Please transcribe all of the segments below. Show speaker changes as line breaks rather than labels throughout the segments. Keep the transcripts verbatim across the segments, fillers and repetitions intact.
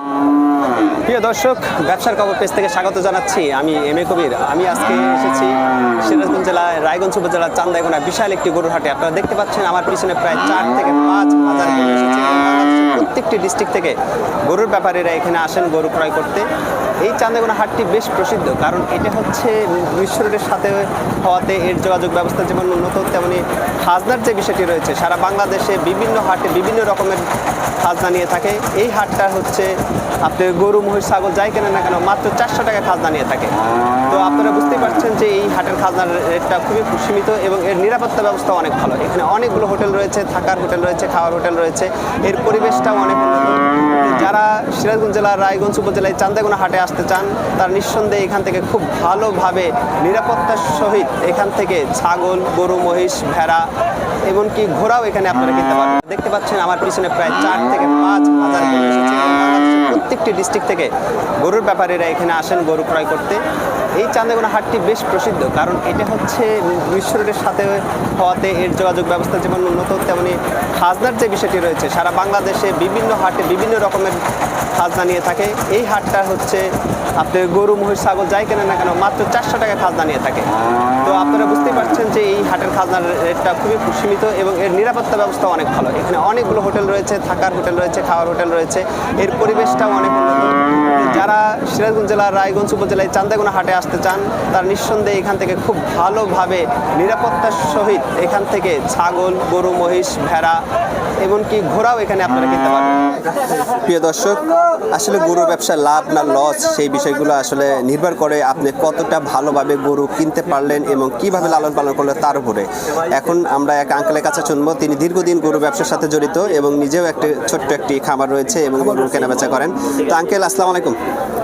প্রিয় দর্শক, ব্যবসার খবর পেজ থেকে স্বাগত জানাচ্ছি। আমি এম এ কবির। আমি আজকে এসেছি সিরাজগঞ্জ জেলায় রায়গঞ্জ উপজেলার চান্দাইগোনা বিশাল একটি গরুর হাটে। আপনারা দেখতে পাচ্ছেন আমার পিছনে প্রায় চার থেকে পাঁচ হাজার গরু এসেছে। প্রত্যেকটি ডিস্ট্রিক্ট থেকে গরুর ব্যাপারীরা এখানে আসেন গরু ক্রয় করতে। এই চান্দাইগোনা হাটটি বেশ প্রসিদ্ধ, কারণ এটা হচ্ছে বিশ্ব রোডের সাথে হওয়াতে এর যোগাযোগ ব্যবস্থা যেমন উন্নত, তেমনি খাজনার যে বিষয়টি রয়েছে, সারা বাংলাদেশে বিভিন্ন হাটে বিভিন্ন রকমের খাজনা নিয়ে থাকে। এই হাটটা হচ্ছে আপনি গরু মহিষ ছাগল যাই কেনেন না কেন মাত্র চারশো টাকা খাজনা নিয়ে থাকে। তো আপনারা বুঝতেই পারছেন যে এই হাটের খাজনার রেটটা খুবই সীমিত এবং এর নিরাপত্তা ব্যবস্থা অনেক ভালো। এখানে অনেকগুলো হোটেল রয়েছে, থাকার হোটেল রয়েছে, খাওয়ার হোটেল রয়েছে, এর পরিবেশটাও অনেক উন্নত। যারা সিরাজগঞ্জ জেলার রায়গঞ্জ উপজেলায় চান্দাইগোনা হাটে আসতে চান, তার নিঃসন্দেহে এখান থেকে খুব ভালোভাবে নিরাপত্তার সহিত এখান থেকে ছাগল, গরু, মহিষ, ভেড়া, এমনকি ঘোড়াও এখানে আপনারা কিনতে পারবেন। দেখতে পাচ্ছেন আমার পিছনে প্রায় চার থেকে পাঁচ হাজার গরু এসেছে। প্রত্যেকটি ডিস্ট্রিক্ট থেকে গরুর ব্যাপারীরা এখানে আসেন গরু ক্রয় করতে। এই চান্দাইগোনা হাটটি বেশ প্রসিদ্ধ, কারণ এটা হচ্ছে বিশ্ব রোডের সাথে হওয়াতে এর যোগাযোগ ব্যবস্থা যেমন উন্নত, তেমনি খাজনার যে বিষয়টি রয়েছে, সারা বাংলাদেশে বিভিন্ন হাটে বিভিন্ন রকমের খাজনা নিয়ে থাকে। এই হাটটা হচ্ছে আপনি গরু মহিষ ছাগল যাই কেনেন না কেন মাত্র চারশো টাকা খাজনা নিয়ে থাকে। তো আপনারা বুঝতেই পারছেন যে এই হাটের খাজনার রেটটা খুবই সীমিত এবং এর নিরাপত্তা ব্যবস্থা অনেক ভালো। এখানে অনেকগুলো হোটেল রয়েছে, থাকার হোটেল রয়েছে, খাওয়ার হোটেল রয়েছে, এর পরিবেশটাও অনেক উন্নত। যারা সিরাজগঞ্জ জেলার রায়গঞ্জ উপজেলায় চান্দাইগোনা হাটে আসতে চান, তার নিঃসন্দেহে এখান থেকে খুব ভালোভাবে নিরাপত্তার সহিত এখান থেকে ছাগল, গরু, মহিষ, ভেড়া, এমনকি ঘোড়াও এখানে আপনারা কিনতে পারবেন। প্রিয় দর্শক, আসলে গরুর ব্যবসায় লাভ না লস, সেই বিষয়গুলো আসলে নির্ভর করে আপনি কতটা ভালোভাবে গরু কিনতে পারলেন এবং কিভাবে লালন পালন করলেন তার উপরে। এখন আমরা এক আঙ্কেলের কাছে শুনবো, তিনি দীর্ঘদিন গরু ব্যবসার সাথে জড়িত এবং নিজেও একটি ছোট্ট একটি খামার রয়েছে এবং গরু কেনাবেচা করেন। তো আঙ্কেল, আসসালামু আলাইকুম।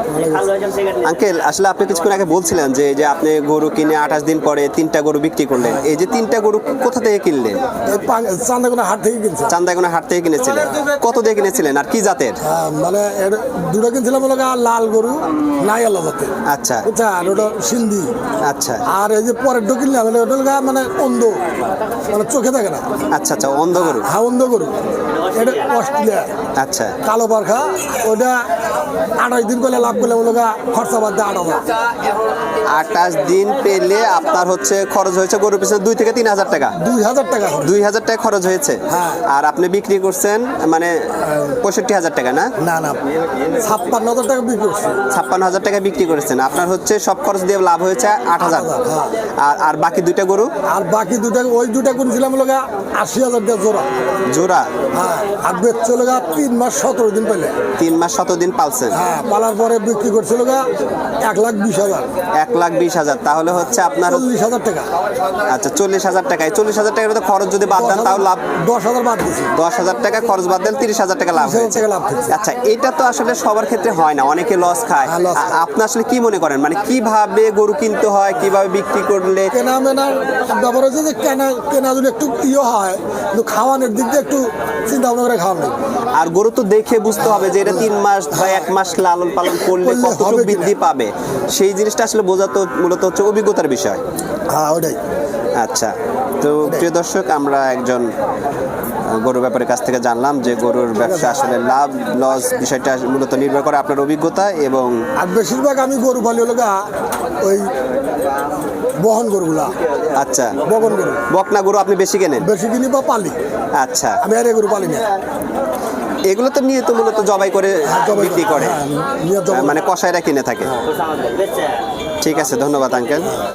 আঙ্কেল, আসলে আপনি কিছুক্ষণ আগে বলছিলেন যে যে আপনি গরু কিনে আঠাশ দিন পরে তিনটা গরু বিক্রি করলেন। এই যে তিনটা গরু কোথা থেকে কিনলেন?
চান্দাইগোনা হাট থেকে কিনছি।
চান্দাইগোনা হাট থেকে কিনেছিলেন? কত দিয়ে কিনেছিলেন আর কি জাতের?
মানে দুটো কিনছিলাম লাল গরু, নাই আল্লাহ জাতের।
আচ্ছা
আচ্ছা, আর ওটা সিন্ধি।
আচ্ছা,
আর এই যে পরের ডো কিনলাম ওটা মানে অন্ধ, মানে চোখে থাকে না।
আচ্ছা আচ্ছা, অন্ধ গরু।
হ্যাঁ, অন্ধ গরু। এটা অস্ট্রেলিয়া।
আচ্ছা,
কালো পারখা। ওটা আঠাশ দিন পেলে লাভ করলে ওগুলো খরচা বাদ দেয় আট হাজার।
আঠাশ দিন পেলে আপনার হচ্ছে খরচ হয়েছে গরুর পিছনে দুই থেকে তিন হাজার টাকা।
দুই হাজার টাকা
দুই হাজার টাকা খরচ হয়েছে।
হ্যাঁ।
আর আপনি বিক্রি করছেন মানে পঁয়ষট্টি হাজার টাকা না?
না না, ছাপ্পান্ন হাজার টাকা বিক্রি করছি।
ছাপ্পান্ন হাজার টাকা বিক্রি করেছেন। আপনার হচ্ছে সব খরচ দিয়ে লাভ হয়েছে আট হাজার।
হ্যাঁ।
আর আর বাকি দুইটা গরু?
আর বাকি দুটা ওই দুটা কিনছিলাম লোক আশি হাজার টাকা জোড়া।
জোড়া?
হ্যাঁ। আর বেচছে লোক তিন মাস সতেরো দিন পেলে।
তিন মাস সতেরো দিন পালছেন?
হ্যাঁ, পালার পরে বিক্রি করছে লোক এক লাখ বিশ হাজার।
এক লাখ বিশ হাজার, তাহলে হচ্ছে আপনার
চল্লিশ হাজার টাকা।
আচ্ছা, চল্লিশ হাজার টাকা। এই চল্লিশ হাজার টাকার খরচ যদি বাদ দেন তাও লাভ?
দশ হাজার বাদ দিচ্ছি।
দশ হাজার টাকা খরচ বাদ দেন, তিরিশ হাজার টাকা লাভ হয়েছে। আচ্ছা, এটা তো আসলে সবার ক্ষেত্রে হয় না, অনেকে লস খায়। আপনি আসলে কি মনে করেন, মানে কিভাবে গরু কিনতে হয়, কিভাবে বিক্রি করলে?
কেনা মেনার ব্যাপার হচ্ছে যে কেনা কেনা যদি একটু ইয়ে হয়, কিন্তু খাওয়ানোর দিক দিয়ে একটু চিন্তা ভাবনা করে খাওয়ানো।
আর গরু তো দেখে বুঝতে হবে যে এটা তিন মাস বা এক মাস লালন পালন করলে কতটুকু বৃদ্ধি পাবে, সেই জিনিসটা আসলে বোঝা তো মূলত হচ্ছে অভিজ্ঞতার বিষয়।
হ্যাঁ, ওটাই।
আচ্ছা, তো প্রিয় দর্শক, আমরা একজন গরু ব্যাপারের কাছ থেকে জানলাম যে গরুর ব্যবসা আসলে লাভ লস বিষয়টা মূলত নির্ভর করে আপনার অভিজ্ঞতা এবং।
আর বেশিরভাগ আমি গরু পালি হলো ওই বহন গরুগুলা।
আচ্ছা,
বহন গরু,
বকনা গরু আপনি বেশি কেনেন?
বেশি কিনি বা পালি।
আচ্ছা,
আমি আর গরু পালি না।
এগুলো তো নিয়ে তো মূলত জবাই করে বিক্রি করে, মানে কসাইরা কিনে থাকে। ঠিক আছে, ধন্যবাদ আঙ্কেল।